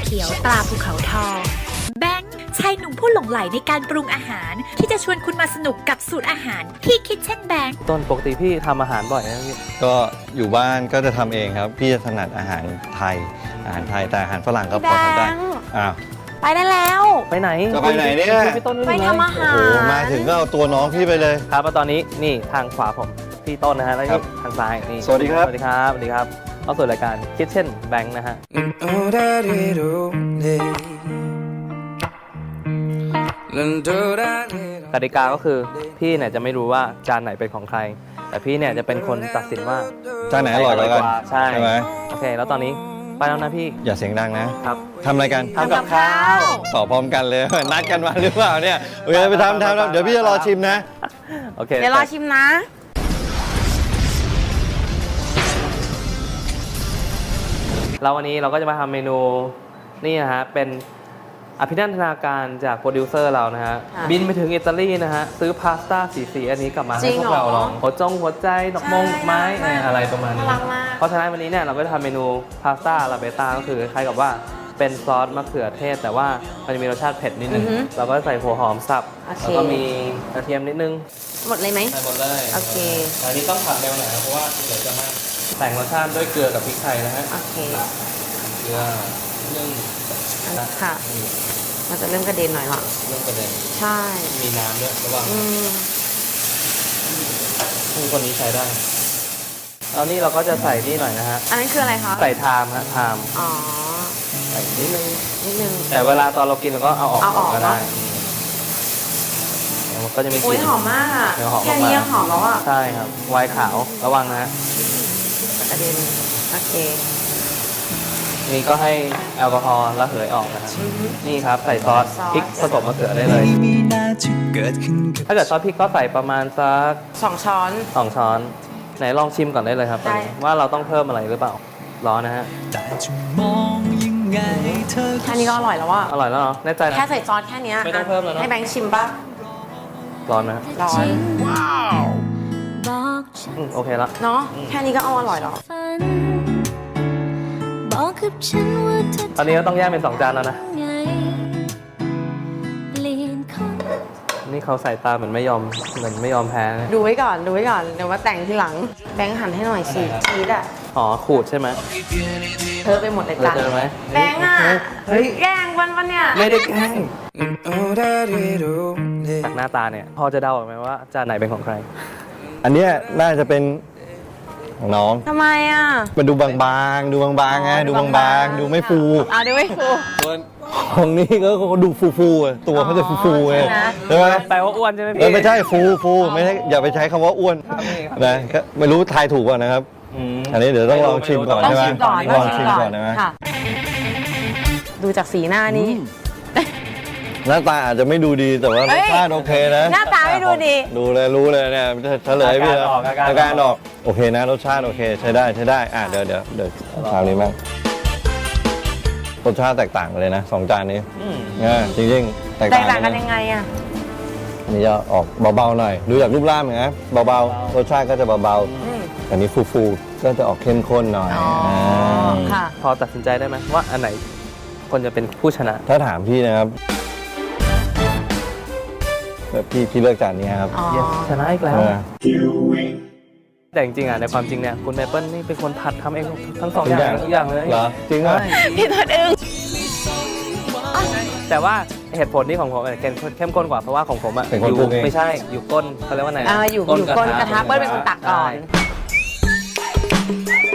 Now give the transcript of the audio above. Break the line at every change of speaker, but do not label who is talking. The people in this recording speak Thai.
ขียวตราภูเขาทองแบงค์ชายหนุ่มผู้หลงใหลในการปรุงอาหารที่จะชวนคุณมาสนุกกับสูตรอาหารที่คิดเช่นแบงค์
ต้นปกติพี่ทำอาหารบ่อยนะพี่
ก็อยู่บ้านก็จะทำเองครับ พี่จะถนัดอาหารไทยแต่อาหารฝรั่งก็พอทำได้อ้าว
ไปได้แล้ว
ไปไหน
จะไปไหนเนี่ย
พี่ต้น
ไปทำอาหาร
โอ้โหมาถึงก็เอาตัวน้องพี่ไปเลย
ครับแล้วตอนนี้นี่ทางขวาผมพี่ต้นนะฮะแล้ว
ครั
นี่
บ
ทางซ้ายนี่
สวัสดีครับ
สวัสดีครับสวัสดีครับเข้าสู่รายการคิดเช่นแบงค์นะฮะกติกาก็คือพี่เนี่ยจะไม่รู้ว่าจานไหนเป็นของใคร แต่พี่เนี่ยจะเป็นคนตัดสินว่า
จานไหนอร่อยกว่ากัน
ใช่
ใช่ไหม
โอเค แล้วตอนนี้ไปแล้วนะพี่
อย่าเสียงดังนะครับ ทำอะไรกัน
ทำกับข้าว
ตอบพร้อมกันเลย นัดกันมาหรือเปล่าเนี่ยโอเคไปทำเดี๋ยวพี่จะรอชิมนะ
โอเค
เดี๋ยวรอชิมนะ
แล้ววันนี้เราก็จะมาทำเมนูนี่นะฮะเป็นอภินันทนาการจากโปรดิวเซอร์เรานะฮะ
ค่ะ
บินไปถึงอิตาลีนะฮะซื้อพาสต้าสีอันนี้กลับมา
จริ
ให้
ง
พวกเรา
เหรอ
ลองหัวใจดอกมง
ใช่
ดอกไม้
น่ารัก
อะไรประมาณนี้
น่ารักมาก
เพราะฉะนั้นวันนี้เนี่ยเราก็จะทำเมนูพาสต้าลาเบต้าก็คือคล้ายกับว่าเป็นซอสมะเขือเทศ แต่ว่ามันจะมีรสชาติเผ็ดนิดนึง
อือฮึ
เราก็ใส่หัวหอมสับ
โอเค
แล้วก็มีกระเทียมนิดนึง
หมดเลยไหม
ใส่หมดเลย
โอเค
อันนี้ต้องผัดเร็วหน่อยนะเพราะว่าเดี๋ยวจะไหม้แต่งรสชาติด้วยเกลือกับพริกไทยนะฮะ
โอเค
เกลือนึ่ง
ค่ะ มันจะเริ่มกระเด็นหน่อยละ
เรื่องประเด็น
ใช่
มีน้ำด้วยระวัง
อืม
ผู้คนนี้ใช้ได้แล้วนี่เราก็จะใส่นี่หน่อยนะฮะ
อันนั้นคืออะไรคะ
ใส่ไทม์ฮะไทม์
อ๋อ
ใส่นิดนึง
นิดนึง
แต่เวลาตอนเรากินเราก็เอาออก
เอาออก
ก็ได้
เนอะ
แล้วมันก็จะมีก
โอ้ย
ลิ่น
หอมมากอ่ะ
เดี๋ยวหอม
แค่นี้
มากๆ
ยังหอมแล้วอ่ะ
ใช่ครับไวน์ขาวระวังนะฮะ
กระเด็น โอเค
นี่ก็ให้แอลกอฮอล์ระเหยออกนะฮะนี่ครับใส่ซอส
ซอส
พริกผสมมะเขือได้เลย ถ้าเกิดซอสพริกก็ใส่ประมาณสัก
2 ช้อน
2 ช้อน ไหนลองชิมก่อนได้เลยครับ
ได้
ว่าเราต้องเพิ่มอะไรหรือเปล่าร้อนนะฮะ
แค่นี้ก็อร่อยแล้วอ่ะ
อร่อยแล้วเนาะแน่ใจนะ
แค่ใส่ซอสแค่นี้ย
ไม่ต้องเพิ่มแล้วเนอะ
ให้แบงค์ชิมป่ะ
ร้อนไหมฮะ
ร้อน
บอกฉัน
โอเคละ
เนาะ แค่นี้ก็เอาอร่อยแล้ว
ฝันบอกกับฉันว่าเธอ
ตอนนี้ก็ต้องแยกเป็น2 จานแล้วนะ
ทำไงเปลี่ยนคน
นี่เขาใส่ตาเหมือนไม่ยอมแพ้นะ
ดูไว้ก่อน ดูไว้ก่อน เดี๋ยวมาแต่งทีหลัง แบงค์หั่นให้หน่อยสิชีสอ่ะ
อ๋อขูดใช่ไหม
เธอไปหมดเลยจ้ะ
เจอไหม
แบงค์อ่ะ
เฮ้ย
แกล้งวันเนี่ย
ไม่ได้แกล้งจากหน้าตาเนี่ยพอจะเดาออกไหมว่าจานไหนเป็นของใคร
อันเนี้ยน่าจะเป็นของน้อง
ทำไมอ่ะ
มันดูบางๆดูบางๆไงดูบางๆดูไม่ฟู
ดูไม่ฟู
ของนี้ก็ดูฟูๆอะตัวเขาจะฟูๆไง
ใช่ไหม
ใช่ไหม
แปลว่าอ้วนใช่ไหมพี่
ไม่ใช่ฟูไม่ใช่อย่าไปใช้คำว่าอ้วน
ครับนี่ครับ
นะก็ไม่รู้ทายถูกป่ะนะครับ
ม
อันนี้เดี๋ยวต้องลองชิมก่อน
ต้อง
ใช่ไหม
ชิมก่อน
ลองชิมก่อนนะ
ค่ะ ดูจากสีหน้านี้
หน้าตาอาจจะไม่ดูดีแต่ว่ารสชาติโอเคนะ
หน้าตาไม่ดูดี
ดูเลยรู้เลยเนี่ยเฉลยพี่
อาการออก
โอเคนะรสชาติโอเคใช้ได้เดี๋ยวคราวนี้มั้งรสชาติแตกต่างกันเลยนะ2 จานนี้
อืม
จริงๆแตก
แตก
ต่าง
ต่างกัน
นะ
ยังไงอ่ะ
อันนี้จะออกเบาๆหน่อยดูจากรูปร่างเหมือนกันเบาๆรสชาติก็จะเบาๆอันนี้ฟูๆก็จะออกเข้มข้นหน่อย
อ๋อค่ะ
พอตัดสินใจได้ไหมว่าอันไหนคนจะเป็นผู้ชนะ
ถ้าถามพี่นะครับแบบพี่เลือกจานนี้ครับ
อ๋อ
Yes ชนะอีกแล้ว
เออ
แต่จริงๆอ่ะในความจริงเนี่ยคุณเมเปิลนี่เป็นคนผัดทำเองทั้ง2 อย่างทุกอย่างเลย
เหรอจริงเหรอ
ใช่
พี่ตัวอึ้ง
แต่ว่าเหตุผลที่ของผมเนี่ยเข้มข้นกว่าเพราะว่าของผมอ่ะ
เป็นคน
อยู่
ปรุงเอง
ไม่ใช่อยู่ก้นเขาเรียกว่าไง
อยู่ก้นกระทะเปิ้ลเป็นคนตักก่อน
ใช่